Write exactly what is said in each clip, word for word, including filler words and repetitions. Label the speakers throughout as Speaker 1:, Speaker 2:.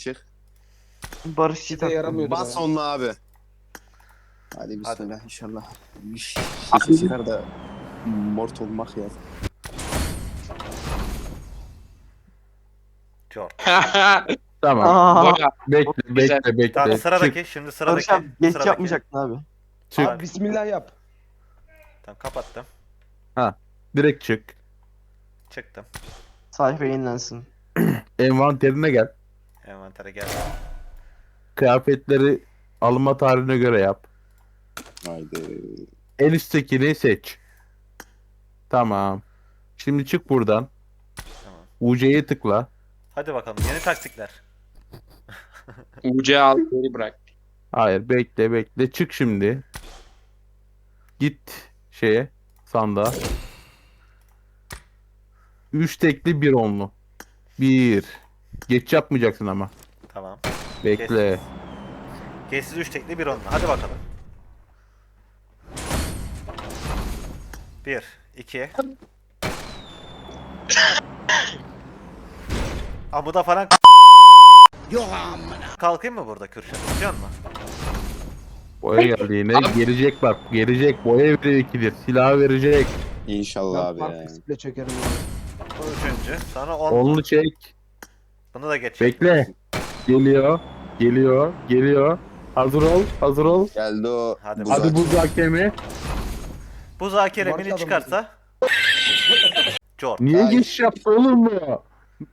Speaker 1: çık.
Speaker 2: Barışçı
Speaker 3: de yaramıyordu.
Speaker 1: Bas onunla abi. Hadi bismillah inşallah. Bir şey çıkar da mort olmak ya.
Speaker 4: Çok.
Speaker 5: Tamam.
Speaker 2: Aa,
Speaker 3: Bora.
Speaker 5: Bekle
Speaker 3: Güzel.
Speaker 5: bekle bekle.
Speaker 4: Tamam
Speaker 5: Çık
Speaker 4: sıradaki şimdi
Speaker 2: Barış
Speaker 4: sıradaki.
Speaker 2: abi geç
Speaker 4: sıradaki.
Speaker 2: yapmayacaktın abi.
Speaker 5: çık.
Speaker 3: Abi bismillah yap.
Speaker 4: Tamam kapattım.
Speaker 5: Direkt çık.
Speaker 4: Çıktım.
Speaker 2: Sayfa yenilensin.
Speaker 5: Envanterine gel.
Speaker 4: Envantere geldim.
Speaker 5: Kıyafetleri alınma tarihine göre yap.
Speaker 1: Haydi.
Speaker 5: En üsttekini seç. Tamam. Şimdi çık buradan.
Speaker 4: Tamam.
Speaker 5: U C'ye tıkla.
Speaker 4: Hadi bakalım yeni taktikler.
Speaker 3: U C al geri bırak.
Speaker 5: Hayır bekle bekle. Çık şimdi. Git şeye. Sandığa. Üç tekli bir onlu. Bir. Geç yapmayacaksın ama.
Speaker 4: Tamam.
Speaker 5: Bekle.
Speaker 4: Geçsiz üç tekli bir onunla. Hadi bakalım. Bir, iki. Amuda falan kalkayım mı burada Kürşat? İstiyor musun?
Speaker 5: Boya geldi yine. Gelecek bak. Gelecek. Boya verecek ikidir. Silah verecek.
Speaker 1: İnşallah abi ya.
Speaker 3: Mark çekerim abi.
Speaker 4: Bu üçüncü. Sonra on.
Speaker 5: Onlu çek.
Speaker 4: Bunu da geç.
Speaker 5: Bekle. Geliyor. Geliyor. Geliyor. Hazır ol. Hazır ol.
Speaker 1: Geldi o.
Speaker 4: Hadi
Speaker 1: buz
Speaker 5: Hadi
Speaker 1: hakem.
Speaker 5: buz hakemi.
Speaker 4: Bu zakere
Speaker 3: Barış
Speaker 4: mini
Speaker 3: adamı.
Speaker 4: çıkarsa Jor.
Speaker 5: Niye
Speaker 1: Ay.
Speaker 5: geç yaptı oğlum bu?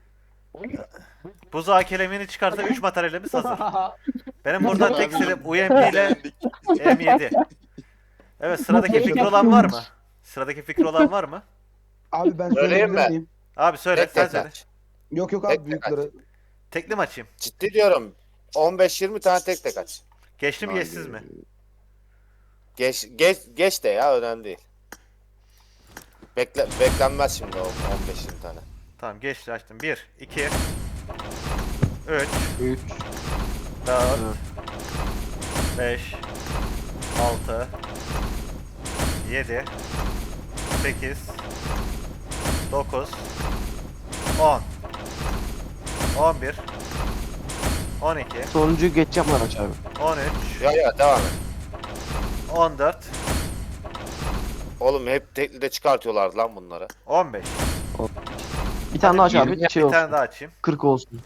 Speaker 4: Bu zakere mini çıkarsa üç materyalimiz hazır. Benim buradan tek silip U M P ile M yedi. Evet sıradaki fikri olan var mı? Sıradaki fikri olan var mı?
Speaker 3: Abi ben
Speaker 6: Söyleyeyim
Speaker 3: söyleyebilir
Speaker 6: mi?
Speaker 3: miyim?
Speaker 4: Abi söyle
Speaker 6: Tek
Speaker 4: sen
Speaker 6: tek
Speaker 4: söyle.
Speaker 6: aç.
Speaker 3: Yok yok
Speaker 6: Tek
Speaker 3: abi
Speaker 6: tek
Speaker 3: büyükleri.
Speaker 4: Tekli mi açayım?
Speaker 6: Ciddi diyorum. on beş yirmi tane tek tek aç.
Speaker 4: Geçli mi
Speaker 1: Haydi.
Speaker 4: geçsiz mi?
Speaker 6: Geç geç geç de ya önemli değil. Bekle beklenmez şimdi o on beş yirmi tane.
Speaker 4: Tamam geçti açtım. bir, iki, üç,
Speaker 3: Üç.
Speaker 4: dört, beş, altı, yedi, sekiz, dokuz, on, on bir, on iki,
Speaker 2: Sonuncuyu geç yapmadan aç abi.
Speaker 4: on üç,
Speaker 6: Ya ya devam et.
Speaker 4: on dört,
Speaker 6: Oğlum hep tekli de çıkartıyorlardı lan bunları.
Speaker 4: on beş.
Speaker 2: Bir tane daha aç
Speaker 4: Hadi
Speaker 2: abi.
Speaker 4: bir
Speaker 2: Şey
Speaker 4: tane
Speaker 2: olsun.
Speaker 4: daha açayım.
Speaker 2: kırk olsun.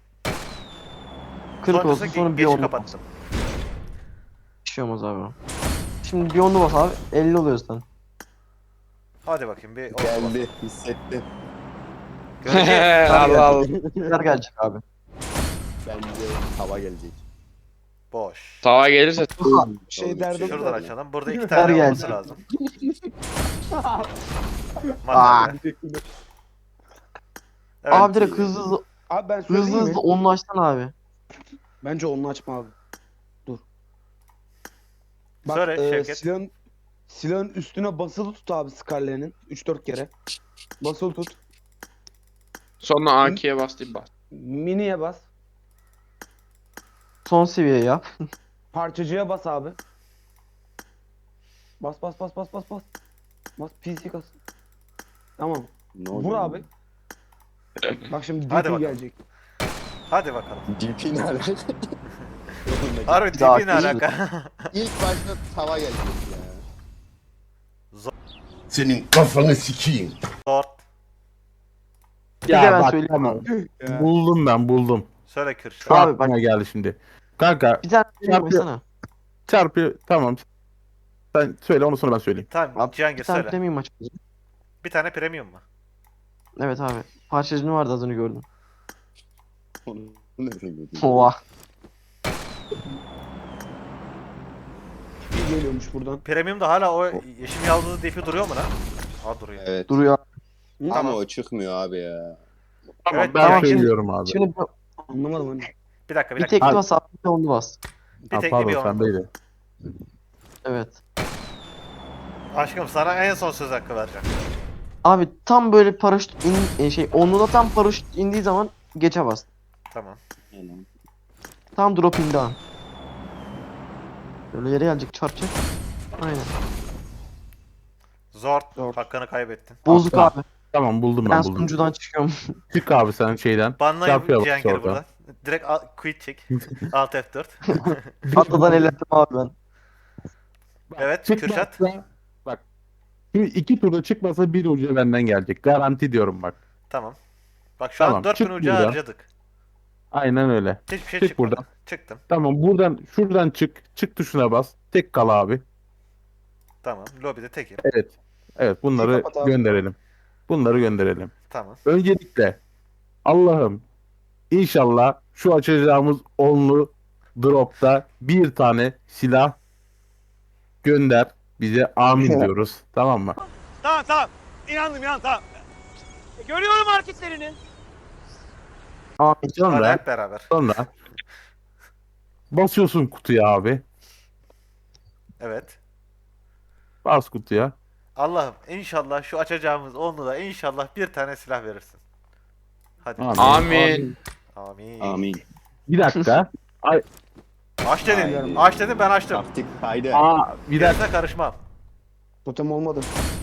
Speaker 2: kırk
Speaker 4: Sonrası
Speaker 2: olsun sonra bir
Speaker 4: geç
Speaker 2: onlu bas.
Speaker 4: kapattım.
Speaker 2: Bir şey olmaz abi. Şimdi bir onlu bas abi. elli oluyor zaten.
Speaker 4: Hadi bakayım bir oldu
Speaker 1: Geldi. Hissettim.
Speaker 4: Göreceğiz.
Speaker 3: Allah Allah.
Speaker 2: Neler gelecek abi.
Speaker 1: Bence hava gelecek.
Speaker 4: Boş.
Speaker 3: Tava gelirse
Speaker 1: Şey
Speaker 3: derdim
Speaker 4: Şuradan
Speaker 3: var.
Speaker 4: açalım. Burada iki
Speaker 2: Ver
Speaker 4: tane
Speaker 2: geldi.
Speaker 4: olması lazım.
Speaker 2: Aa.
Speaker 4: Materyal. Evet.
Speaker 2: Abi direkt hızlı hızlı
Speaker 3: Abi ben
Speaker 2: hızlı
Speaker 3: söyleyeyim
Speaker 2: hızlı
Speaker 3: mi?
Speaker 2: onlu açsana abi.
Speaker 3: Bence onu açma abi. Dur. Bak
Speaker 4: Söyle,
Speaker 3: e,
Speaker 4: Şevket.
Speaker 3: silahın, silahın üstüne basılı tut abi Scarlet'in. üç dört kere. Basılı tut.
Speaker 7: Sonra A K'ye bastım bas.
Speaker 3: Mini'ye bas.
Speaker 2: Son seviye yap.
Speaker 3: Parçacıya bas abi. Bas bas bas bas bas bas. Bas P C kas. Tamam.
Speaker 1: Ne
Speaker 3: Vur
Speaker 1: oluyor?
Speaker 3: abi. Bak şimdi
Speaker 4: Hadi
Speaker 3: D P
Speaker 4: bakalım.
Speaker 3: gelecek.
Speaker 4: Hadi bakalım.
Speaker 1: D P ne alaka?
Speaker 4: Harbi
Speaker 2: Bir daha
Speaker 4: tipi ne
Speaker 2: açayım.
Speaker 4: alaka?
Speaker 1: İlk başta hava gelecek ya.
Speaker 8: Senin kafanı sikeyim.
Speaker 4: Zor.
Speaker 2: Bir de
Speaker 5: Ya
Speaker 2: ben
Speaker 5: bak
Speaker 2: söyleyeyim.
Speaker 5: tamam. Buldum ben buldum.
Speaker 4: Söyle
Speaker 5: Şu
Speaker 4: Kürşat.
Speaker 2: Abi
Speaker 5: aklıma
Speaker 2: bak-
Speaker 5: geldi şimdi. Kanka
Speaker 2: Bir tane
Speaker 5: Çarpıyor.
Speaker 2: söyleyeyim
Speaker 5: çarpı tamam. Sen söyle onu sonra ben söyleyeyim.
Speaker 4: Tamam
Speaker 2: Abi,
Speaker 4: Cihangir
Speaker 2: Bir tane
Speaker 4: söyle.
Speaker 2: premium aç.
Speaker 4: Bir tane premium mu?
Speaker 2: Evet abi. Parçacını vardı az önce gördüm.
Speaker 1: Onu nereden gördün?
Speaker 2: Oha.
Speaker 3: Bir geliyormuş buradan.
Speaker 4: Premium'da hala o yeşil yaldızı dipi duruyor mu lan? Aa duruyor.
Speaker 1: Evet.
Speaker 2: Duruyor.
Speaker 1: Ama
Speaker 4: Tamam.
Speaker 1: o çıkmıyor abi ya.
Speaker 5: Tamam
Speaker 4: Evet,
Speaker 5: ben
Speaker 2: tamam, şimdi-
Speaker 5: söylüyorum abi.
Speaker 2: Şimdi bir,
Speaker 3: Anlamadım hani.
Speaker 4: Bir dakika bir
Speaker 2: bir
Speaker 4: dakika.
Speaker 2: tekli bas abi. Bir de onlu bas.
Speaker 4: Bir
Speaker 5: Ha,
Speaker 4: tekli bir
Speaker 5: pardon
Speaker 4: onu.
Speaker 5: sendeydi.
Speaker 2: Evet.
Speaker 4: Aşkım sana en son söz hakkı vereceğim.
Speaker 2: Abi tam böyle paraşüt in, e, şey onluda tam paraşüt indiği zaman geçe bas.
Speaker 4: Tamam.
Speaker 2: Tam drop indi an. Böyle yere gelecek çarpacak. Aynen.
Speaker 4: Zor.
Speaker 3: Zor.
Speaker 4: Hakkını kaybettin.
Speaker 2: Bozuk
Speaker 5: Tamam.
Speaker 2: abi.
Speaker 5: Tamam buldum
Speaker 2: Ben
Speaker 5: ben buldum.
Speaker 2: sunucudan çıkıyorum.
Speaker 5: Çık abi sen şeyden.
Speaker 4: Banlayın
Speaker 5: Çarpıya bak
Speaker 4: Cihangir'i
Speaker 5: orada.
Speaker 4: buradan. Direkt al- quit çek. Alt F dört.
Speaker 2: Atladan elettim abi ben.
Speaker 4: Evet
Speaker 5: Çıkmazsa-
Speaker 4: Kürşat.
Speaker 5: Bak. Şimdi iki turda çıkmasa bir ucu benden gelecek. Garanti diyorum bak.
Speaker 4: Tamam. Bak şu an
Speaker 5: Tamam,
Speaker 4: dört bin
Speaker 5: çık
Speaker 4: ucu
Speaker 5: buradan.
Speaker 4: harcadık.
Speaker 5: Aynen öyle.
Speaker 4: Hiçbir şey
Speaker 5: Çık
Speaker 4: çıkmadı.
Speaker 5: buradan.
Speaker 4: Çıktım.
Speaker 5: Tamam buradan şuradan çık. Çık tuşuna bas. Tek kal abi.
Speaker 4: Tamam. Lobide tekim.
Speaker 5: Evet. Evet bunları
Speaker 3: kapat abi.
Speaker 5: gönderelim. Bunları gönderelim.
Speaker 4: Tamam.
Speaker 5: Öncelikle Allah'ım inşallah şu açacağımız onlu dropta bir tane silah gönder. Bize amin diyoruz. Tamam mı?
Speaker 9: Tamam tamam. İnandım ya tamam. E, görüyorum hareketlerini.
Speaker 2: Abi
Speaker 4: Hadi
Speaker 5: Sonra
Speaker 4: hep beraber.
Speaker 5: sonra basıyorsun kutuya abi.
Speaker 4: Evet.
Speaker 5: Bas kutuya.
Speaker 4: Allah'ım inşallah şu açacağımız onlu da inşallah bir tane silah verirsin. Hadi.
Speaker 5: Amin.
Speaker 7: Amin.
Speaker 4: Amin.
Speaker 1: Amin.
Speaker 5: Bir dakika. Ay,
Speaker 4: Aç dedin.
Speaker 1: Haydi.
Speaker 4: Aç dedin ben açtım.
Speaker 1: Taktik haydi.
Speaker 5: aa, bir dakika.
Speaker 4: Gerisine karışmam.
Speaker 3: Totem olmadı.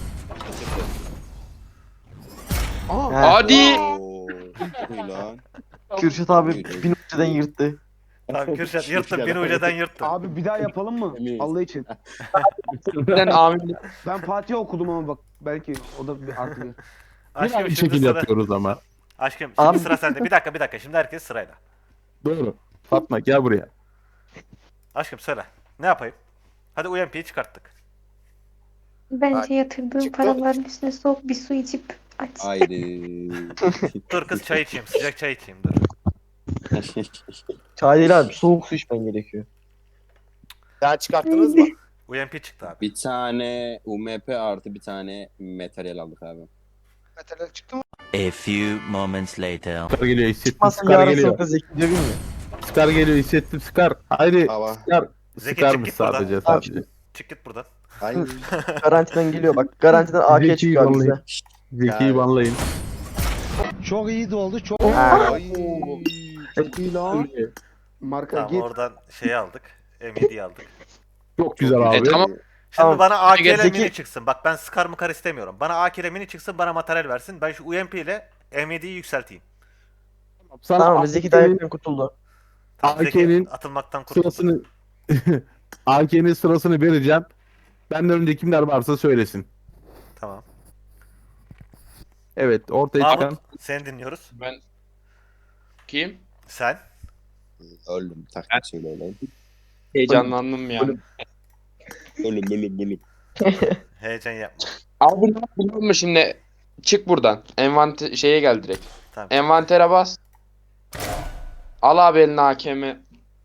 Speaker 2: He.
Speaker 7: Hadi.
Speaker 1: Oo, çok iyi lan.
Speaker 2: Kürşat abi bin ucudan yırttı.
Speaker 4: Tamam Kürşat yırttım. Bin ucadan yırttım.
Speaker 3: Abi bir daha yapalım mı?
Speaker 1: Emin.
Speaker 3: Allah için.
Speaker 7: Sen amin.
Speaker 3: Ben Fatih okudum ama bak belki o da bir artı bir.
Speaker 5: Bir
Speaker 4: Aşkım
Speaker 5: aynı
Speaker 4: şimdi
Speaker 5: şekilde
Speaker 4: sıra.
Speaker 5: yapıyoruz ama.
Speaker 4: Aşkım şimdi
Speaker 2: Abi-
Speaker 4: sıra sende. Bir dakika bir dakika. Şimdi herkes sırayla.
Speaker 5: Doğru. Fatma gel buraya.
Speaker 4: Aşkım söyle. Ne yapayım? Hadi U M P'yi çıkarttık.
Speaker 10: Bence yatırdığın
Speaker 6: çıktı.
Speaker 10: paraların üstüne soğuk bir su içip aç.
Speaker 1: Haydi.
Speaker 4: Dur kız çay içeyim. Sıcak çay içeyim dur.
Speaker 2: Çay değil abi soğuk su içmen gerekiyor.
Speaker 6: Sen çıkarttınız mı?
Speaker 4: U M P çıktı abi.
Speaker 1: Bir tane U M P artı bir tane materyal aldık abi.
Speaker 3: Materyal çıktı mı?
Speaker 11: A few moments later.
Speaker 5: Skar geliyor hissettim.
Speaker 2: Çıkmazsa
Speaker 5: Skar
Speaker 2: yarın
Speaker 5: geliyor.
Speaker 2: sonra Zeki diyor bilmiyor.
Speaker 5: Skar geliyor hissettim. Skar. Haydi.
Speaker 1: Hava.
Speaker 5: Skar.
Speaker 4: Zeki
Speaker 5: Skarmış
Speaker 4: çık git buradan.
Speaker 5: sadece
Speaker 2: Tamam,
Speaker 5: sadece.
Speaker 4: Çık git buradan.
Speaker 1: Haydi.
Speaker 2: Garantiden geliyor bak. Garantiden A K
Speaker 5: Zeki'yi
Speaker 2: çıkıyor abi
Speaker 5: banlayın.
Speaker 2: bize.
Speaker 5: Zeki'yi banlayın.
Speaker 3: Çok iyi de oldu. Çok
Speaker 1: Ay.
Speaker 3: çok iyi lan. Marka
Speaker 4: Tamam
Speaker 3: git.
Speaker 4: oradan şeyi aldık. M yediyi aldık.
Speaker 5: Çok güzel abi.
Speaker 7: E tamam.
Speaker 4: Şimdi
Speaker 2: Tamam.
Speaker 4: bana A K ile
Speaker 7: Zeki-
Speaker 4: mini çıksın. Bak ben Scar mıkar istemiyorum. Bana A K ile mini çıksın bana materyal versin. Ben şu U M P ile M yediyi yükselteyim.
Speaker 5: Sana
Speaker 2: Tamam Zeki dayanıktan kurtuldu.
Speaker 4: Tamam, Zeki
Speaker 5: A K'nin
Speaker 4: atılmaktan kurtuldu.
Speaker 5: sırasını A K'nin sırasını vereceğim. Benden önce kimler varsa söylesin.
Speaker 4: Tamam.
Speaker 5: Evet ortaya çıkan.
Speaker 4: Mahmut seni dinliyoruz.
Speaker 7: Ben kim?
Speaker 4: Sen.
Speaker 1: Öldüm. Taktik söyle öyle.
Speaker 7: Heyecanlandım ya.
Speaker 1: Ölüm ölüm ölüm.
Speaker 4: Heyecan yapma.
Speaker 7: Abi ne biliyor musun şimdi? Çık buradan. Envanter şeye gel direkt.
Speaker 4: Tamam.
Speaker 7: Envantere bas. Al abi eline A K M.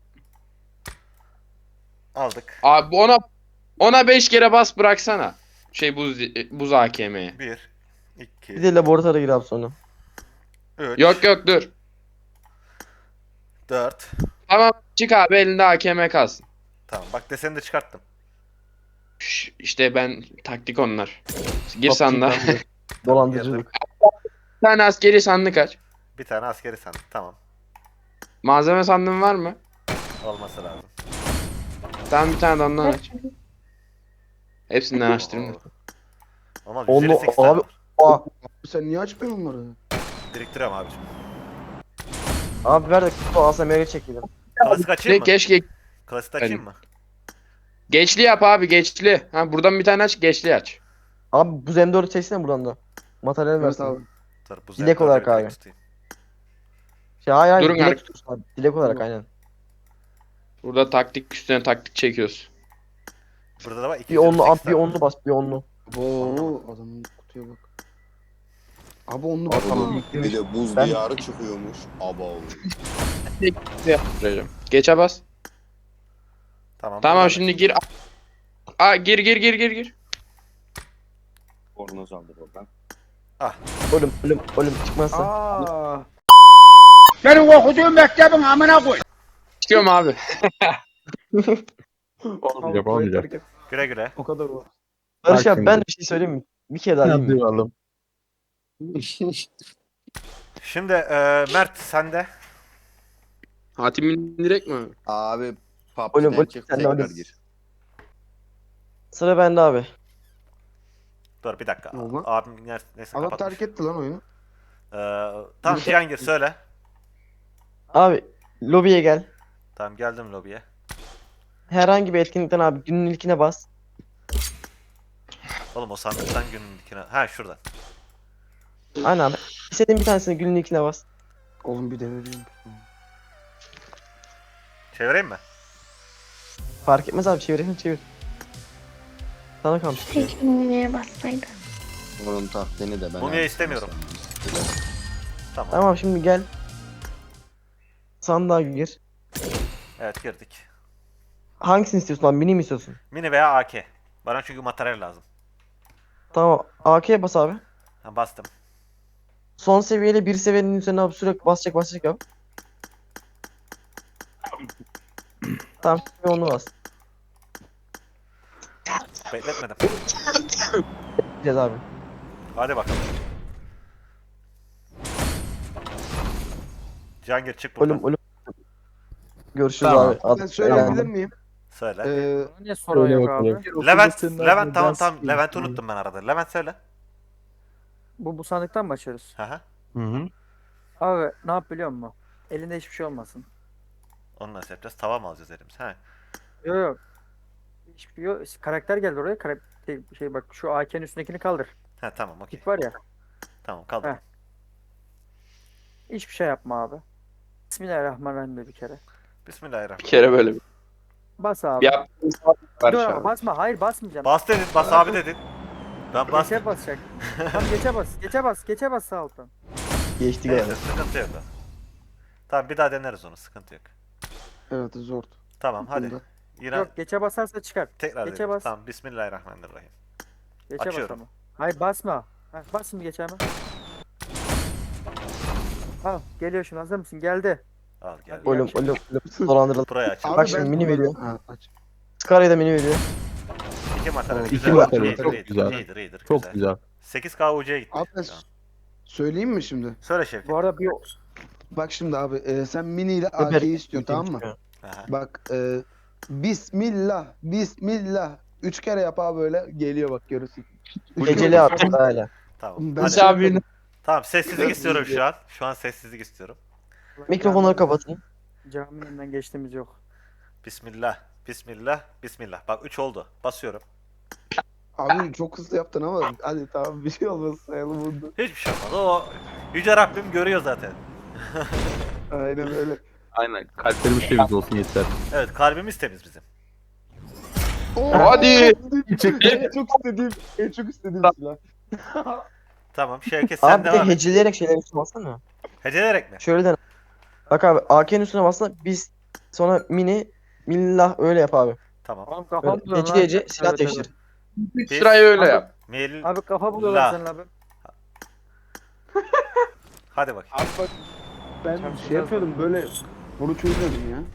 Speaker 4: Aldık.
Speaker 7: Abi ona ona beş kere bas bıraksana. Şey buz buz A K M'ye.
Speaker 4: Bir.
Speaker 2: Bir
Speaker 4: iki.
Speaker 2: de laboratuvara gir abi sonra.
Speaker 4: Üç.
Speaker 7: Yok yok dur.
Speaker 4: Dört.
Speaker 7: Tamam çık abi elinde A K M kalsın.
Speaker 4: Tamam bak deseni de çıkarttım.
Speaker 7: Şş, İşte ben taktik onlar. Gir sandığa.
Speaker 2: Dolandırıcılık.
Speaker 7: Bir tane askeri sandık aç.
Speaker 4: Bir tane askeri sandık. Tamam.
Speaker 7: Malzeme sandığın var mı?
Speaker 4: Olması lazım.
Speaker 7: Tamam bir tane de ondan aç. Hepsinden açtırma.
Speaker 4: Oo. Ama
Speaker 2: Onu-
Speaker 4: yüz elli sekiz tane
Speaker 2: abi-
Speaker 4: var.
Speaker 2: Aa,
Speaker 3: Sen niye açmıyorsun onları?
Speaker 4: Biriktiriyorum abicim.
Speaker 2: abi ver de kutu A S M R'e çekelim.
Speaker 4: Klasik açayım mı?
Speaker 7: Keşke
Speaker 4: Klasik açayım mı?
Speaker 7: geçli yap abi geçli. Ha buradan bir tane aç geçli aç.
Speaker 2: Abi bu Z M dördü çeksene buradan da. Materyal
Speaker 3: Evet
Speaker 2: versin.
Speaker 3: abi.
Speaker 4: Dur, bu
Speaker 2: Dilek
Speaker 4: zevkleri
Speaker 2: olarak
Speaker 4: bir tek
Speaker 2: abi.
Speaker 4: tutayım.
Speaker 2: Şey, hayır hayır
Speaker 7: Durun
Speaker 2: dilek
Speaker 7: abi.
Speaker 2: tutuyorsun abi. Dilek olarak aynen.
Speaker 7: Burada taktik üstüne taktik çekiyoruz.
Speaker 4: Burada da var iki
Speaker 2: Bir
Speaker 4: yüz elli
Speaker 2: onlu
Speaker 4: sekiz
Speaker 2: abi bir
Speaker 4: tane.
Speaker 2: onlu bas bir onlu.
Speaker 3: Oo adamın kutuya bak. Abi onu
Speaker 2: Aa, tamam.
Speaker 3: bakalım.
Speaker 1: Bir de buz
Speaker 2: Ben-
Speaker 1: diyarı çıkıyormuş. Abo.
Speaker 7: Geçe bas.
Speaker 4: Tamam.
Speaker 7: Tamam
Speaker 4: burada
Speaker 7: şimdi gir. Aa gir gir gir gir gir.
Speaker 1: Bornoz aldı oradan.
Speaker 2: Ölüm ölüm ölüm çıkmazsa.
Speaker 3: Aa.
Speaker 9: Senin okuduğun mektebin amına koy.
Speaker 7: Çıkıyorum abi.
Speaker 5: Olmayacak olmayacak.
Speaker 4: da- Güle güle.
Speaker 3: O kadar o.
Speaker 2: Barış
Speaker 5: Bak
Speaker 2: abi ben
Speaker 5: şimdi.
Speaker 2: bir şey söyleyeyim mi? Bir kere daha diyeyim
Speaker 5: Hadi
Speaker 2: mi?
Speaker 5: bakalım.
Speaker 4: Şimdi e, Mert sende.
Speaker 7: Hatim direkt mi?
Speaker 1: Abi
Speaker 2: Oğlum,
Speaker 1: PUBG'den
Speaker 2: oğlum,
Speaker 1: çık
Speaker 2: sen de
Speaker 1: tekrar
Speaker 2: oğlum.
Speaker 1: gir.
Speaker 2: Sıra bende abi.
Speaker 4: Dur bir dakika.
Speaker 3: Ne oldu lan?
Speaker 4: Abim neyse, neyse
Speaker 3: Adam
Speaker 4: kapatmış.
Speaker 3: terk etti lan oyunu.
Speaker 4: Ee, tamam Cihangir söyle.
Speaker 2: Abi Lobiye gel.
Speaker 4: Tamam geldim lobiye.
Speaker 2: Herhangi bir etkinlikten abi günün ilkine bas.
Speaker 4: Oğlum o sandıktan günün dikine. Ha şuradan.
Speaker 2: Aynen abi. İstediğin bir tanesini günün ilkine bas.
Speaker 1: Oğlum bir de vereyim.
Speaker 4: Çevireyim mi?
Speaker 2: Fark etmez abi çevireyim çevir. Sana kalmış.
Speaker 10: Keşke Mini'ye bassaydı.
Speaker 1: Onun tahtını da ben
Speaker 4: Mumya
Speaker 1: aldım.
Speaker 4: istemiyorum. Tamam.
Speaker 2: Tamam şimdi gel. Sandığa gir.
Speaker 4: Evet girdik.
Speaker 2: Hangisini istiyorsun abi? Mini mi istiyorsun?
Speaker 4: Mini veya A K. Bana çünkü materyal lazım.
Speaker 2: Tamam. A K'ye bas abi.
Speaker 4: Ha, bastım.
Speaker 2: Son seviyeyle bir seviyenin üzerine abi sürekli basacak basacak abi. Tamam şimdi onu bas.
Speaker 4: Bekletmedim.
Speaker 2: Gideceğiz abi.
Speaker 4: Hadi bakalım. Cihangir çık buradan.
Speaker 2: Ölüm ölüm. Görüşürüz
Speaker 5: Tamam.
Speaker 2: abi. Ad-
Speaker 3: Ben söyleyebilir
Speaker 2: eğlendim.
Speaker 3: miyim?
Speaker 4: Söyle.
Speaker 3: Ee,
Speaker 12: Niye sorun yok abi?
Speaker 4: Levent, Levent tamam tamam. Levent'i unuttum ben arada. Levent söyle.
Speaker 12: Bu, bu sandıktan mı açıyoruz?
Speaker 4: Hı hı.
Speaker 5: Hı hı.
Speaker 12: Abi ne yap biliyor musun? Elinde hiçbir şey olmasın.
Speaker 4: Onu nasıl yapacağız? Tava mı alacağız elimize? He.
Speaker 12: Yok yok. Hiçbir şey yok. Karakter geldi oraya. Karakter, şey bak şu A K'nin üstündekini kaldır.
Speaker 4: He tamam okey.
Speaker 12: Git var ya.
Speaker 4: Tamam kaldı.
Speaker 12: Heh. Hiçbir şey yapma abi. Bismillahirrahmanirrahim de bir kere.
Speaker 7: Bir
Speaker 4: Bismillahirrahmanirrahim.
Speaker 7: kere böyle bir
Speaker 12: Bas abi.
Speaker 7: yaptığın sabit var
Speaker 12: Dur
Speaker 7: şu
Speaker 12: ama
Speaker 7: an.
Speaker 12: basma. Hayır basmayacağım.
Speaker 4: Bas dedin, bas abi dedin. Ben bastım.
Speaker 12: Geçe basacak. Tamam geçe bas. Geçe bas. Geçe bas sağ alttan.
Speaker 2: Geçti
Speaker 4: Neyse
Speaker 2: galiba.
Speaker 4: sıkıntı yok. Tamam bir daha deneriz onu sıkıntı yok.
Speaker 1: Evet zor.
Speaker 4: Tamam hadi.
Speaker 1: Bunda.
Speaker 4: Yine
Speaker 12: Yok geçe basarsa çıkar.
Speaker 4: tekrar
Speaker 12: geçe
Speaker 4: deneriz.
Speaker 12: bas.
Speaker 4: Tamam Bismillahirrahmanirrahim.
Speaker 12: Geçe
Speaker 4: Açıyorum.
Speaker 12: bas ama. Hayır basma. Ha, bas şimdi geçe hemen. Al geliyor şimdi hazır mısın? Geldi.
Speaker 4: Al gel.
Speaker 2: Ölüm ölüm ölüm. Dolandırıldı.
Speaker 4: Burayı açalım.
Speaker 2: Bak şimdi mini veriyor.
Speaker 1: Ha, aç.
Speaker 2: Scara'ya da mini veriyor.
Speaker 4: İki materyal.
Speaker 1: İki
Speaker 4: Güzel.
Speaker 5: materyal,
Speaker 4: İyidir,
Speaker 5: çok
Speaker 4: iyidir,
Speaker 5: güzel.
Speaker 4: iyidir, iyidir,
Speaker 5: Çok
Speaker 4: güzel.
Speaker 5: güzel.
Speaker 4: sekiz K U C'ye gitti.
Speaker 1: Abi ben
Speaker 4: şu an.
Speaker 1: söyleyeyim mi şimdi?
Speaker 4: Söyle Şevket.
Speaker 12: Bu arada bir
Speaker 1: Bak şimdi abi e, sen mini ile
Speaker 2: Öper-
Speaker 1: A K'yi istiyorsun tamam mı?
Speaker 4: Aha.
Speaker 1: Bak e, Bismillah, Bismillah. Üç kere yap abi böyle geliyor bak görürsün. Üç
Speaker 2: Geceli
Speaker 1: kere-
Speaker 2: at öyle.
Speaker 4: Tamam.
Speaker 1: Ben
Speaker 4: Hadi.
Speaker 7: Hadi abi.
Speaker 4: Tamam sessizlik istiyorum şu an. Şu an sessizlik istiyorum.
Speaker 2: Mikrofonları kapatın.
Speaker 12: caminin önünden geçtiğimiz yok.
Speaker 4: Bismillah. Bismillah. Bismillah. Bak üç oldu. Basıyorum.
Speaker 1: Abi çok hızlı yaptın ama hadi tamam bir şey olmaz sayalım bunu.
Speaker 4: Hiçbir şey olmaz. O Yüce Rabbim görüyor zaten.
Speaker 1: Aynen öyle.
Speaker 5: Aynen. Kalplerimiz temiz olsun yeter.
Speaker 4: Evet kalbimiz temiz bizim.
Speaker 7: Hadi.
Speaker 1: En çok istediğim, en çok istediğim silah.
Speaker 4: Tamam Şevket sen
Speaker 2: Abi bir de
Speaker 4: devam et.
Speaker 2: heceleyerek şeyler üstüne bassana.
Speaker 4: Heceleyerek mi?
Speaker 2: Şöyle dene. Bak abi A K'nin üstüne bassana biz sonra mini millah öyle yap abi.
Speaker 4: Tamam.
Speaker 12: Oğlum kafa
Speaker 2: Böyle
Speaker 12: buluyorlar.
Speaker 2: Hece hece
Speaker 12: lan.
Speaker 2: silah
Speaker 12: Evet,
Speaker 2: değiştir.
Speaker 7: Bir sırayı öyle
Speaker 12: Abi-
Speaker 7: yap.
Speaker 4: Mil.
Speaker 12: Abi kafa buluyorlar
Speaker 4: La.
Speaker 12: senin abi.
Speaker 4: Hadi bakayım.
Speaker 3: Abi bak ben şey yapıyordum böyle bunu çözüyordum ya.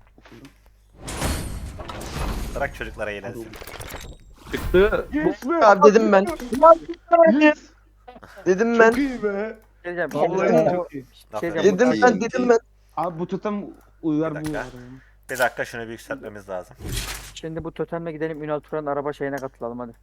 Speaker 4: Bırak çocuklara eğlensin.
Speaker 5: Çıktı.
Speaker 3: Yes be.
Speaker 2: Abi dedim ben.
Speaker 3: Yes.
Speaker 2: Dedim ben.
Speaker 3: Çok iyi be.
Speaker 12: Geleceğim.
Speaker 3: Vallahi
Speaker 12: Şimdi
Speaker 3: çok iyi.
Speaker 12: şey
Speaker 4: Aferin.
Speaker 12: diyeceğim.
Speaker 2: Dedim ben dedim ben.
Speaker 3: Abi bu tutam uyar
Speaker 4: Bir
Speaker 3: bu
Speaker 4: dakika.
Speaker 3: arada.
Speaker 4: Bir dakika şunu bir yükseltmemiz lazım.
Speaker 12: Şimdi bu totemle gidelim Ünal Turan'ın araba şeyine katılalım hadi.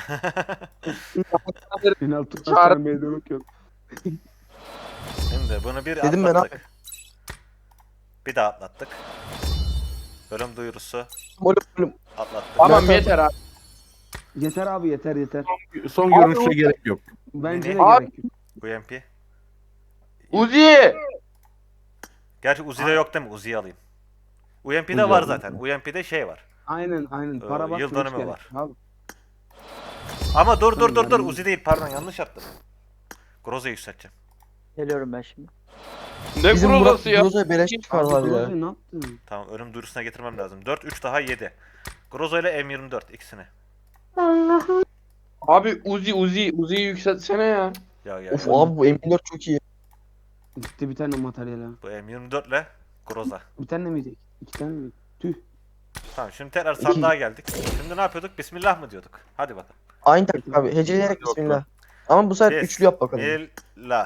Speaker 3: Final tuttan
Speaker 7: Çağır-
Speaker 3: sonra meydan okuyorum.
Speaker 4: Şimdi bunu bir
Speaker 2: Dedim ben
Speaker 4: atlattık. Bir daha atlattık. Bölüm duyurusu
Speaker 2: Ölüm ölüm.
Speaker 4: atlattık.
Speaker 7: Tamam
Speaker 2: Ben-
Speaker 7: yeter abi.
Speaker 3: Yeter abi yeter yeter.
Speaker 5: Son görünüşe gerek yok.
Speaker 3: Bence de
Speaker 7: Abi-
Speaker 3: gerek yok.
Speaker 4: U M P.
Speaker 7: Uzi.
Speaker 4: Gerçi Uzi'de yok değil mi? Uzi'yi alayım. U M P'de
Speaker 5: Uzi
Speaker 4: var
Speaker 5: alayım.
Speaker 4: zaten. U M P'de şey var.
Speaker 3: Aynen aynen.
Speaker 4: Ee,
Speaker 3: Para bak.
Speaker 4: yıl dönümü var.
Speaker 3: Abi.
Speaker 4: Ama dur dur dur dur.
Speaker 3: Yani-
Speaker 4: Uzi değil pardon yanlış yaptım. Groza'yı yükselteceğim.
Speaker 12: Geliyorum ben şimdi.
Speaker 7: Ne
Speaker 2: Bizim Murat
Speaker 7: kurulası ya?
Speaker 2: Groza'ya beleş çıkardılar
Speaker 3: Abi
Speaker 2: ya.
Speaker 3: Groza ne yaptın?
Speaker 4: Tamam ölüm duyurusuna getirmem lazım. dört üç daha yedi. Groza ile M yirmi dört ikisini.
Speaker 10: Allah'ım.
Speaker 7: Abi Uzi Uzi Uzi'yi yükseltsene ya.
Speaker 4: Ya ya.
Speaker 2: Of abi bu M dört çok iyi.
Speaker 3: Gitti bir tane materyal ha.
Speaker 4: Bu M yirmi dört ile Groza.
Speaker 3: Bir tane miydi? İki tane miydi? Tüh.
Speaker 4: Tamam şimdi tekrar sandığa geldik. Şimdi ne yapıyorduk? Bismillah mı diyorduk? Hadi bakalım.
Speaker 2: Aynı taktik abi. Heceleyerek bismillah. Ama bu sefer
Speaker 4: Kes.
Speaker 2: üçlü yap bakalım.
Speaker 4: Bismillah.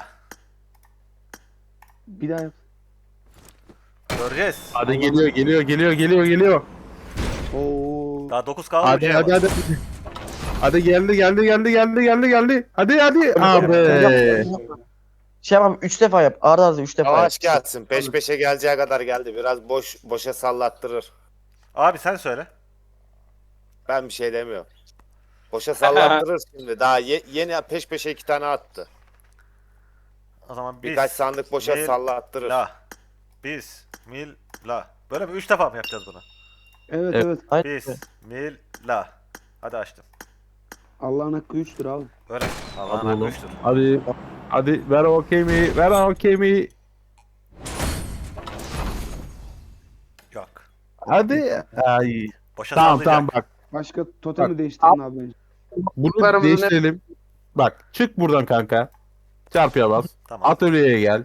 Speaker 3: Bir daha yap.
Speaker 4: Göreceğiz.
Speaker 5: Hadi geliyor geliyor geliyor geliyor geliyor.
Speaker 3: Oo.
Speaker 4: Daha dokuz kaldı.
Speaker 5: Hadi hadi hadi. Hadi geldi geldi geldi geldi geldi geldi. Hadi hadi. Abi.
Speaker 2: Şey yapalım üç defa yap. Arda arda üç defa yap.
Speaker 6: Yavaş gelsin. Peş peşe geleceği kadar geldi. Biraz boş boşa sallattırır.
Speaker 4: Abi sen söyle.
Speaker 6: Ben bir şey demiyorum. Boşa sallattırır şimdi. Daha ye- yeni peş peşe iki tane attı.
Speaker 4: O zaman biz
Speaker 6: Birkaç sandık boşa
Speaker 4: Mil-
Speaker 6: sallattırır.
Speaker 4: La. Biz mil la. Böyle mi? Üç defa mı yapacağız bunu?
Speaker 3: Evet
Speaker 5: Evet.
Speaker 3: evet.
Speaker 2: Aynen.
Speaker 4: Biz mil la. Hadi açtım.
Speaker 3: Allah'ın hakkı üçtür abi.
Speaker 4: Öyle. Allah'ın
Speaker 5: Hadi
Speaker 4: hakkı
Speaker 5: oğlum.
Speaker 4: üçtür.
Speaker 5: Hadi. Hadi ver okey mi? Ver okey mi?
Speaker 4: Yok.
Speaker 5: Hadi. Ay.
Speaker 4: Boşa
Speaker 5: Tamam
Speaker 4: sallayacak.
Speaker 5: tamam bak.
Speaker 3: Başka totemi değiştirin abi bence.
Speaker 5: Bunu
Speaker 7: Paramızı ne-
Speaker 5: değiştirelim. Bak çık buradan kanka. Çarpıya bas.
Speaker 4: Tamam.
Speaker 5: Atölyeye gel.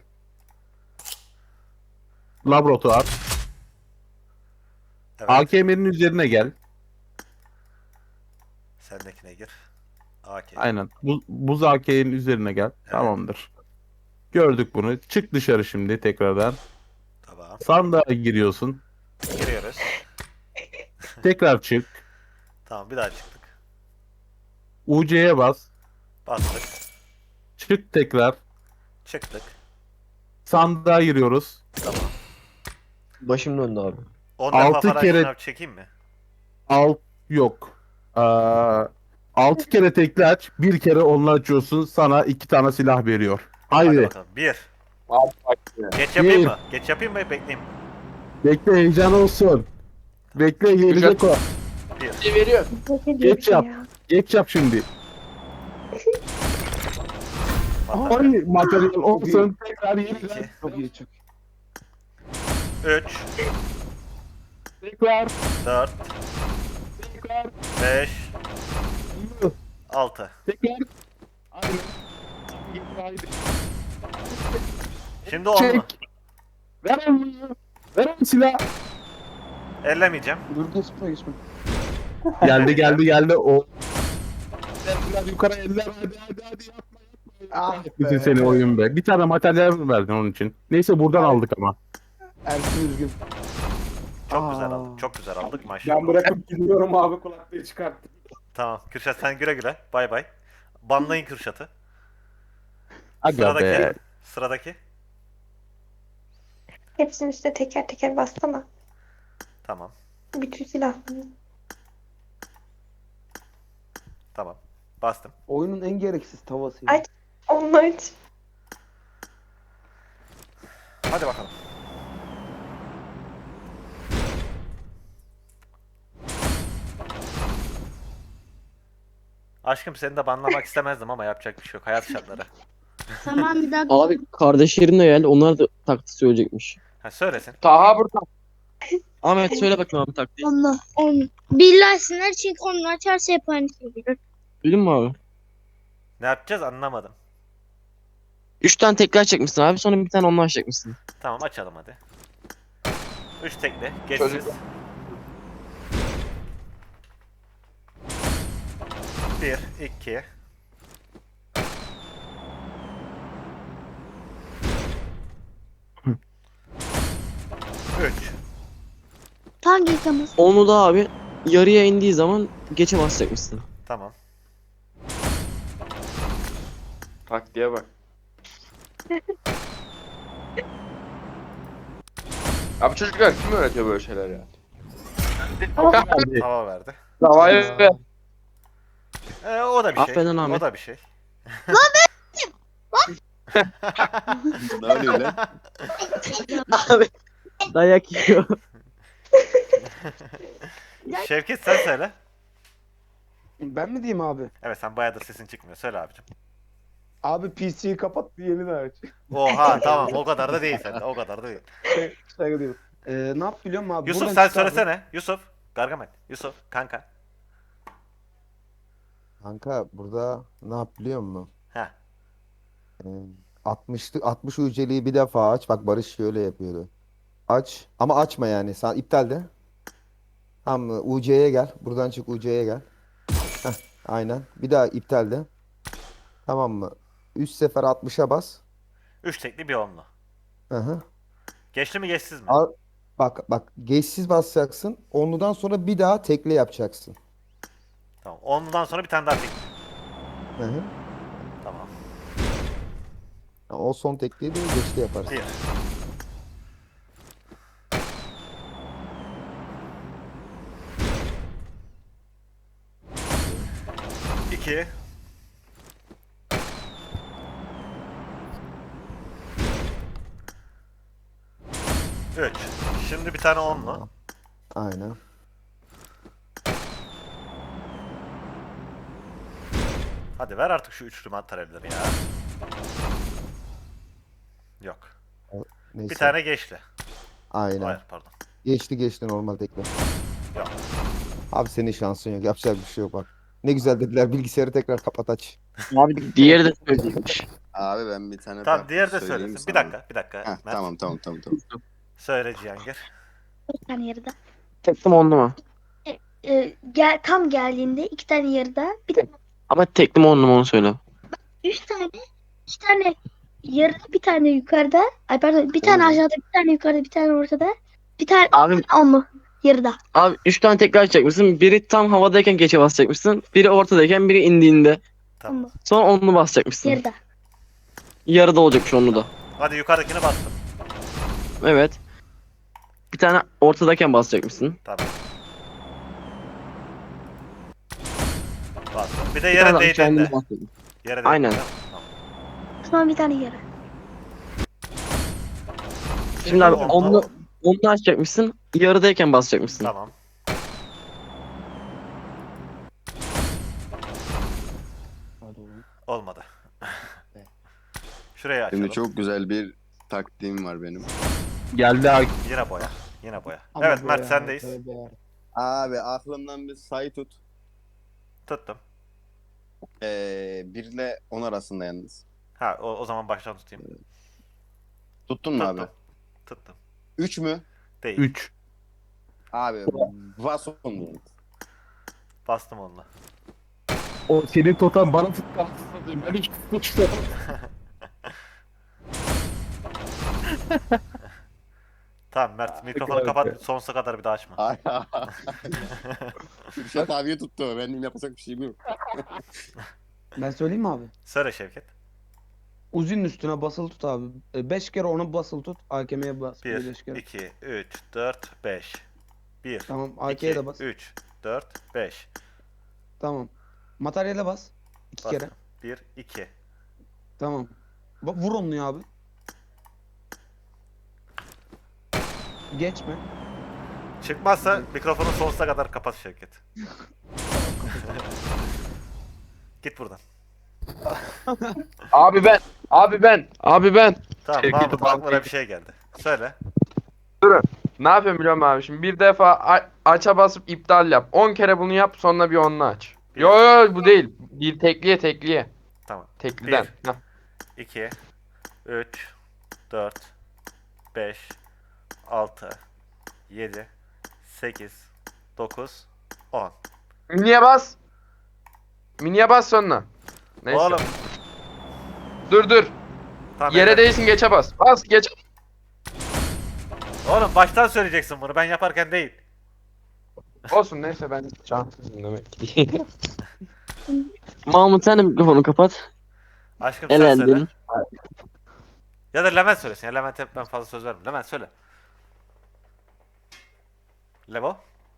Speaker 5: Laboratuvar.
Speaker 4: Evet.
Speaker 5: A K M'nin üzerine gel.
Speaker 4: Sendekine gir. A K.
Speaker 5: Aynen. Bu, buz A K'nin üzerine gel. Tamamdır. Gördük bunu. Çık dışarı şimdi tekrardan.
Speaker 4: Tamam.
Speaker 5: Sandığa giriyorsun.
Speaker 4: Giriyoruz.
Speaker 5: Tekrar çık.
Speaker 4: Tamam bir daha çıktık.
Speaker 5: U C'ye bas.
Speaker 4: Bastık.
Speaker 5: Çık tekrar.
Speaker 4: Çıktık.
Speaker 5: Sandığa giriyoruz.
Speaker 4: Tamam.
Speaker 2: Başım döndü abi.
Speaker 4: on defa
Speaker 5: Altı
Speaker 4: falan
Speaker 5: kere-
Speaker 4: şınav çekeyim mi?
Speaker 5: Alt yok. Aa, altı kere tekli aç. Bir kere onunla açıyorsun. Sana iki tane silah veriyor.
Speaker 4: Hadi
Speaker 5: Haydi.
Speaker 4: bakalım. Bir.
Speaker 7: Abi bak ya.
Speaker 4: Geç yapayım
Speaker 5: Bir.
Speaker 4: mı? Geç yapayım mı? Bekleyeyim.
Speaker 5: Bekle heyecan olsun. Bekle gelecek o.
Speaker 4: Bir.
Speaker 7: şey veriyor.
Speaker 5: Geç yap. Geç yap şimdi.
Speaker 4: Batarya.
Speaker 5: Ay materyal olsun. Tekrar
Speaker 4: İki.
Speaker 5: yeniden.
Speaker 3: Çok iyi çok.
Speaker 4: Üç.
Speaker 5: Tekrar.
Speaker 4: Dört.
Speaker 5: Tekrar.
Speaker 4: Beş. Altı.
Speaker 5: Tekrar. Aynen. Haydi.
Speaker 4: Şimdi on mu?
Speaker 5: Çek. Ver onu. Ver onu silah.
Speaker 4: Ellemeyeceğim.
Speaker 3: Dur geçme geçme.
Speaker 5: Geldi geldi geldi o. Biraz yukarı eller hadi hadi hadi yapma yapma.
Speaker 3: Ah
Speaker 5: Bütün
Speaker 3: be.
Speaker 5: seni oyun be. Bir tane materyal mi verdin onun için? Neyse buradan aldık ama.
Speaker 3: Ersin üzgün.
Speaker 4: Çok
Speaker 3: Aa.
Speaker 4: güzel aldık. Çok güzel aldık maşallah.
Speaker 3: Ben bırakıp gidiyorum abi kulaklığı çıkarttım.
Speaker 4: Tamam. Kürşat sen güle güle. Bay bay. Banlayın Kürşat'ı.
Speaker 5: Aga
Speaker 4: Sıradaki.
Speaker 5: be.
Speaker 4: Sıradaki.
Speaker 10: Hepsinin üstüne teker teker bassana.
Speaker 4: Tamam.
Speaker 10: Bütün silahlarını.
Speaker 4: Tamam. Bastım.
Speaker 3: Oyunun en gereksiz tavası.
Speaker 10: Ay. Onlar için.
Speaker 4: Hadi bakalım. Aşkım seni de banlamak istemezdim ama yapacak bir şey yok. Hayat şartları.
Speaker 10: Tamam bir daha.
Speaker 2: Abi kardeşlerimle gel. Onlar da taktik söyleyecekmiş.
Speaker 4: Ha söylesin.
Speaker 7: Taha burada.
Speaker 2: Ahmet söyle bakayım abi taktiği.
Speaker 10: Onu. Onu. Birleşsinler çünkü onu açarsa hep aynı şey gelir.
Speaker 2: Duydun mu abi?
Speaker 4: Ne yapacağız anlamadım.
Speaker 2: Üç tane tekrar çekmişsin abi. Sonra bir tane onunla açacakmışsın.
Speaker 4: Tamam açalım hadi. Üç tekli. Geçsiz.
Speaker 7: Çocuk-
Speaker 4: Bir, iki. Üç.
Speaker 10: Hangi yıkaması?
Speaker 2: Onu da abi yarıya indiği zaman geçe basacakmışsın.
Speaker 4: Tamam.
Speaker 7: Taktiğe bak. Abi çocuklar kim öğretiyor böyle şeyler ya?
Speaker 5: Hadi.
Speaker 4: Hava verdi.
Speaker 7: Davaya ver.
Speaker 4: Ee, o da bir şey.
Speaker 2: Affedin Ahmet.
Speaker 4: O da bir şey.
Speaker 1: Ne oluyor lan?
Speaker 2: Abi dayak yiyor.
Speaker 4: Şevket sen söyle.
Speaker 3: Ben mi diyeyim abi?
Speaker 4: Evet sen bayağıdır sesin çıkmıyor. Söyle abicim.
Speaker 3: Abi P C'yi kapat bir yeniden aç.
Speaker 4: Oha tamam o kadar da değil sende. O kadar da değil.
Speaker 3: Saygı duyuyorum. Ee, ne yap biliyor musun abi?
Speaker 4: Yusuf
Speaker 3: Buradan
Speaker 4: sen
Speaker 3: çık abi.
Speaker 4: söylesene. Yusuf. Gargamel. Yusuf. Kanka.
Speaker 13: Kanka burada ne yap biliyor musun?
Speaker 4: Heh.
Speaker 13: Ee, altmışlık altmış uceliği bir defa aç. Bak Barış şöyle yapıyordu. Aç ama açma yani. Sen iptal de. Tamam mı? U C'ye gel. Buradan çık U C'ye gel. Heh, aynen. Bir daha iptal de. Tamam mı? Üç sefer altmışa bas.
Speaker 4: Üç tekli bir onlu.
Speaker 13: Hı hı.
Speaker 4: Geçti mi geçsiz mi?
Speaker 13: Al- Bak bak geçsiz basacaksın. Onludan sonra bir daha tekle yapacaksın.
Speaker 4: Tamam. Onludan sonra bir tane daha tekli.
Speaker 13: Hı hı.
Speaker 4: Tamam.
Speaker 13: O son tekliği de geçti yaparız.
Speaker 4: Bir. İki. Üç. Şimdi bir tane onlu.
Speaker 13: Aynen.
Speaker 4: Hadi ver artık şu üçlü materyalleri ya. Yok.
Speaker 13: Neyse.
Speaker 4: Bir tane geçti.
Speaker 13: Aynen.
Speaker 4: Hayır pardon.
Speaker 13: Geçti geçti normal tekli.
Speaker 4: Yok.
Speaker 13: Abi senin şansın yok. Yapacak bir şey yok bak. Ne güzel dediler. Bilgisayarı tekrar kapat aç.
Speaker 7: Abi diğeri de söyleyeymiş.
Speaker 1: Abi ben bir tane
Speaker 4: Tamam
Speaker 1: daha
Speaker 4: diğer de
Speaker 1: söyleyeyim
Speaker 4: söylesin. Bir
Speaker 1: sana.
Speaker 4: dakika bir dakika.
Speaker 1: Heh,
Speaker 4: Mert.
Speaker 1: tamam tamam tamam tamam.
Speaker 4: Söyle Cihangir.
Speaker 10: Bir tane yarıda.
Speaker 7: Tekli mi onlu mu?
Speaker 10: Ee, gel, tam geldiğinde iki tane yarıda. Bir de
Speaker 7: Ama tekli mi onlu mu onu söyle.
Speaker 10: üç tane. iki tane yarıda, bir tane yukarıda. Ay pardon, bir tane aşağıda, bir tane yukarıda, bir tane ortada. Bir tane
Speaker 7: Abi
Speaker 10: onlu yarıda.
Speaker 7: Abi üç tane tekrar açacakmışsın. Biri tam havadayken geçe basacakmışsın. Biri ortadayken biri indiğinde.
Speaker 4: Tamam.
Speaker 7: Sonra onlu basacakmışsın.
Speaker 10: Yarıda.
Speaker 7: Yarıda olacakmış onlu da.
Speaker 4: Hadi yukarıdakine bastım.
Speaker 7: Evet. Bir tane ortadayken basacakmışsın.
Speaker 4: Tamam. Bastım. Bir de
Speaker 7: Bir
Speaker 4: yere
Speaker 7: tane daha kendine
Speaker 4: değdiğinde.
Speaker 7: basacakmışsın.
Speaker 4: Yere değdiğinde.
Speaker 7: Aynen.
Speaker 4: Tamam.
Speaker 10: Sonra bir tane yarı.
Speaker 7: Şimdi abi
Speaker 4: Tamam,
Speaker 7: onlu,
Speaker 4: tamam.
Speaker 7: onlu açacakmışsın. Yarıdayken basacakmışsın.
Speaker 4: Tamam. Olmadı. Şurayı açalım.
Speaker 1: Şimdi çok güzel bir taktiğim var benim.
Speaker 5: Geldi abi.
Speaker 4: Yine boya. Yine boya. Evet Mert sendeyiz.
Speaker 1: Abi aklımdan bir sayı tut.
Speaker 4: Tuttum.
Speaker 1: Ee, bir ile on arasında yalnız.
Speaker 4: Ha o, o zaman baştan tutayım.
Speaker 1: Tuttun mu
Speaker 4: Tuttum.
Speaker 1: abi?
Speaker 4: Tuttum.
Speaker 1: üç mü?
Speaker 4: Değil.
Speaker 5: üç.
Speaker 1: Abi Vason mu?
Speaker 4: Bastım onunla.
Speaker 5: O senin totem bana tuttu. Ben hiç tutmuştum.
Speaker 4: Tamam Mert mikrofonu
Speaker 5: kadar
Speaker 4: kapat.
Speaker 5: güzel.
Speaker 4: Sonsuza kadar bir daha açma.
Speaker 1: Ay, Kürşat abiye tuttu. Benim yapacak bir şeyim yok.
Speaker 3: Ben söyleyeyim mi abi?
Speaker 4: Söyle Şevket.
Speaker 3: Uzi'nin üstüne basılı tut abi. beş kere ona basılı tut. A K M'ye bas.
Speaker 4: bir,
Speaker 3: beş kere.
Speaker 4: iki, üç, dört, beş. bir,
Speaker 3: Tamam A K'ye de bas.
Speaker 4: üç, dört, beş.
Speaker 3: Tamam. Materyale bas. iki kere.
Speaker 4: bir, iki.
Speaker 3: Tamam. Bak vur onu ya abi. Geçme.
Speaker 4: Çıkmazsa mikrofonu sonsuza kadar kapat Şevket. Git buradan.
Speaker 7: Abi ben. Abi ben. Abi ben.
Speaker 4: Tamam
Speaker 5: Şevket'i
Speaker 4: Mahmut aklına
Speaker 5: bağlayayım.
Speaker 4: bir şey geldi. Söyle.
Speaker 7: Ne yapıyorum biliyor musun abi? Şimdi bir defa a- aç'a basıp iptal yap. on kere bunu yap sonra bir onlu aç.
Speaker 4: Bir.
Speaker 7: Yo yo bu değil. Bir tekliye tekliye.
Speaker 4: Tamam.
Speaker 7: Tekliden.
Speaker 4: Bir.
Speaker 7: Hah.
Speaker 4: iki, üç, dört, beş, altı, yedi, sekiz, dokuz, on.
Speaker 7: Miniye bas. Miniye bas sonra. Neyse.
Speaker 4: Oğlum.
Speaker 7: Dur dur.
Speaker 4: Tamam,
Speaker 7: Yere
Speaker 4: evet.
Speaker 7: değilsin geçe bas. Bas geç.
Speaker 4: Oğlum baştan söyleyeceksin bunu. Ben yaparken değil.
Speaker 7: Olsun neyse ben şanslıyım demek ki. Mahmut sen de mikrofonu kapat.
Speaker 4: Aşkım sen söyle.
Speaker 7: Elendin.
Speaker 4: Ya da Levent söylesin. Ya Levent'e ben fazla söz vermem. Levent söyle. Levo?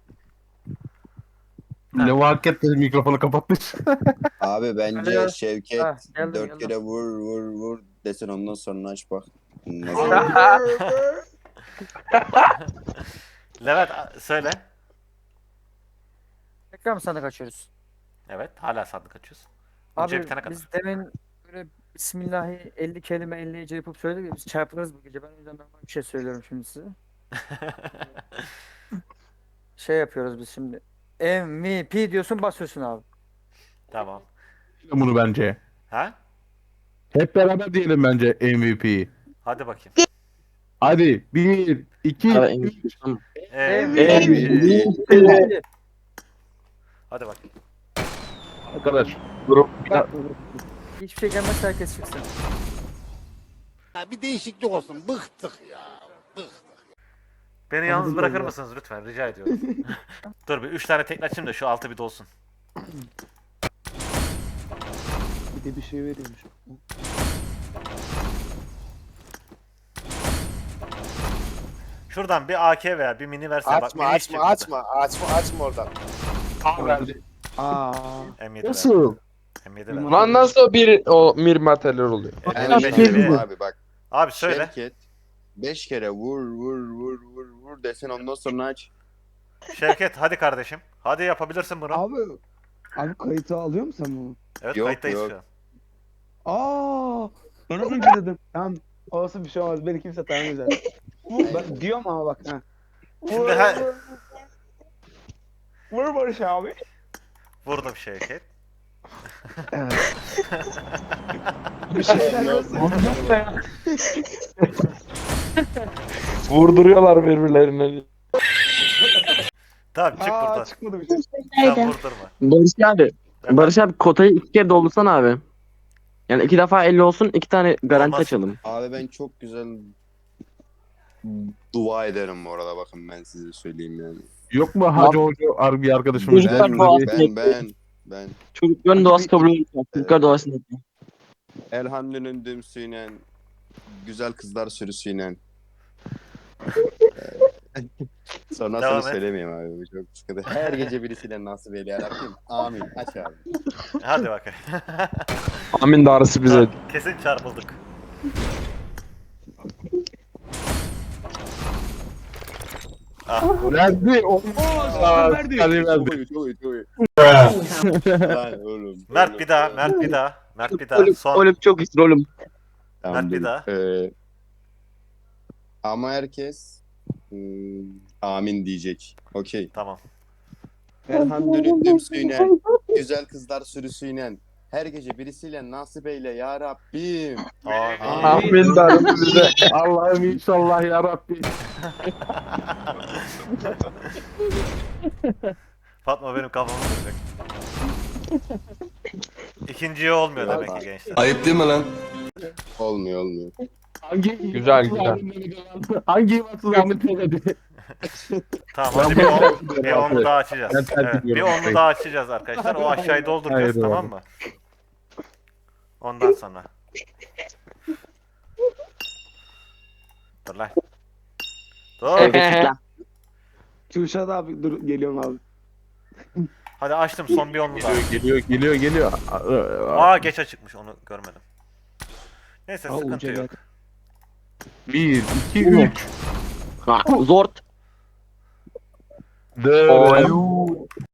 Speaker 5: Ne vakit dedi mikrofonu kapatmış.
Speaker 1: Abi bence
Speaker 12: Alo.
Speaker 1: Şevket
Speaker 12: Ha, geldim,
Speaker 1: dört
Speaker 12: geldim.
Speaker 1: kere vur vur vur desin ondan sonra aç bak.
Speaker 4: Levent a- söyle.
Speaker 12: Tekrar mı sandık açıyoruz?
Speaker 4: Evet. Hala sandık açıyorsun. Önce
Speaker 12: Abi
Speaker 4: bitene kadar.
Speaker 12: biz demin böyle Bismillahi elli kelime elli hece yapıp söyledik ya, biz çarpılırız bu gece. Ben o yüzden normal bir şey söylüyorum şimdi size. Şey yapıyoruz biz şimdi. M V P diyorsun, basıyorsun abi.
Speaker 4: Tamam.
Speaker 5: Bunu bence.
Speaker 4: Ha?
Speaker 5: Hep beraber diyelim bence M V P'yi.
Speaker 4: Hadi bakayım.
Speaker 5: Hadi bir, iki,
Speaker 7: Abi,
Speaker 5: üç.
Speaker 4: Evet.
Speaker 12: M V P.
Speaker 4: Hadi bakayım.
Speaker 5: Arkadaş.
Speaker 12: Bak, hiçbir şey gelmezse herkes çıksın.
Speaker 8: Bir değişiklik olsun. Bıktık ya.
Speaker 4: Beni yalnız bırakır mısınız lütfen? Rica ediyorum. Dur bir üç tane tekne açayım da şu altı bir dolsun.
Speaker 3: Bir de bir şey veriyormuş.
Speaker 4: Şuradan bir A K veya bir mini versen bak.
Speaker 6: Açma
Speaker 4: Mini hiç
Speaker 6: açma
Speaker 4: çıkmadı.
Speaker 6: açma açma açma oradan.
Speaker 3: Aa.
Speaker 4: M yedi ver.
Speaker 5: Nasıl?
Speaker 4: M yedi ver.
Speaker 7: Lan nasıl o bir o mir materyal oluyor?
Speaker 4: M
Speaker 1: Ben
Speaker 4: beş
Speaker 1: şey
Speaker 4: bir-
Speaker 1: diyeyim abi bak.
Speaker 4: Abi söyle.
Speaker 1: Şevket beş kere vur vur vur vur vur desen ondan sonra aç.
Speaker 4: Şevket hadi kardeşim. Hadi yapabilirsin bunu.
Speaker 3: Abi. Abi kayıtı alıyor musun sen bunu?
Speaker 4: Evet
Speaker 1: Yok,
Speaker 4: kayıttayız
Speaker 1: yok.
Speaker 4: şu an.
Speaker 3: Aa. Ben az önce dedim. Tamam. Olsun bir şey olmaz. Beni kimse tanımayacak. Ben diyorum ama bak. Ha.
Speaker 4: Şimdi he,
Speaker 3: Vur Barış abi.
Speaker 4: vurdum Şevket.
Speaker 3: Bir şeyler olsun.
Speaker 7: Vurduruyorlar birbirlerine.
Speaker 4: Tamam çık
Speaker 3: Aa
Speaker 4: buradan.
Speaker 3: çıkmadı bir şey.
Speaker 4: Sen
Speaker 10: Haydi.
Speaker 4: vurdurma.
Speaker 2: Barış abi. Barış abi kotayı iki kere doldursana abi. Yani iki defa elli olsun, iki tane garanti
Speaker 4: Olmaz.
Speaker 2: açalım.
Speaker 1: Abi ben çok güzel dua ederim bu arada bakın ben size söyleyeyim yani.
Speaker 5: Yok mu Hacı Hoca bir arkadaşımız?
Speaker 2: Çocuklar
Speaker 1: Ben
Speaker 2: duası
Speaker 1: ben ben ben
Speaker 2: Çocukların duası kabul olmuyor. Çocuklar duasını yapıyor.
Speaker 1: Elhamdül'ün dümsüyle güzel kızlar sürüsüyle. Sonrasını
Speaker 4: Devam et.
Speaker 1: söylemeyeyim abi bu çok sıkıntı. Her gece birisiyle nasip eyle yarabbim. Amin. Aç abi.
Speaker 4: Hadi bakayım.
Speaker 7: Amin darısı bize.
Speaker 4: Kesin çarpıldık. Ah,
Speaker 5: Verdi. O
Speaker 3: Aa, verdi.
Speaker 5: verdi.
Speaker 1: Çok iyi çok iyi çok iyi. Lan oğlum.
Speaker 4: Mert bir daha, Mert bir daha, Mert bir daha. Son.
Speaker 2: Oğlum çok iyisin oğlum.
Speaker 1: Tamam,
Speaker 4: Mert bir
Speaker 1: dur.
Speaker 4: daha.
Speaker 1: Ee, ama herkes hmm, amin diyecek. Okey.
Speaker 4: Tamam.
Speaker 1: Elhamdülillah dümsüyle güzel kızlar sürüsüyle her gece birisiyle nasip eyle ya Rabbim.
Speaker 4: Amin.
Speaker 7: Amin darısı bize.
Speaker 5: Allah'ım inşallah ya Rabbi.
Speaker 4: Fatma benim kafamı kıracak. İkinciye olmuyor demek ki gençler.
Speaker 8: Ayıp değil mi lan?
Speaker 1: Olmuyor olmuyor.
Speaker 5: Hangi
Speaker 7: Güzel, güzel.
Speaker 5: Hangi imansız Ahmet söyledi?
Speaker 4: Tamam hadi bir on, bir onlu daha açacağız.
Speaker 5: Ben terk
Speaker 4: Evet, bir
Speaker 5: ediyorum.
Speaker 4: onlu daha açacağız arkadaşlar. O aşağıyı dolduracağız,
Speaker 5: Hayır,
Speaker 4: tamam mı? Ondan sonra. Dur lan. Dur.
Speaker 3: Kürşat abi dur geliyorum abi.
Speaker 4: Hadi açtım son bir onlu daha.
Speaker 5: Geliyor geliyor geliyor.
Speaker 4: Aa geç açıkmış, onu görmedim. Neyse
Speaker 3: Aa,
Speaker 4: sıkıntı
Speaker 3: uca
Speaker 4: yok.
Speaker 5: Bir, iki, üç.
Speaker 2: Zort.
Speaker 5: Dört.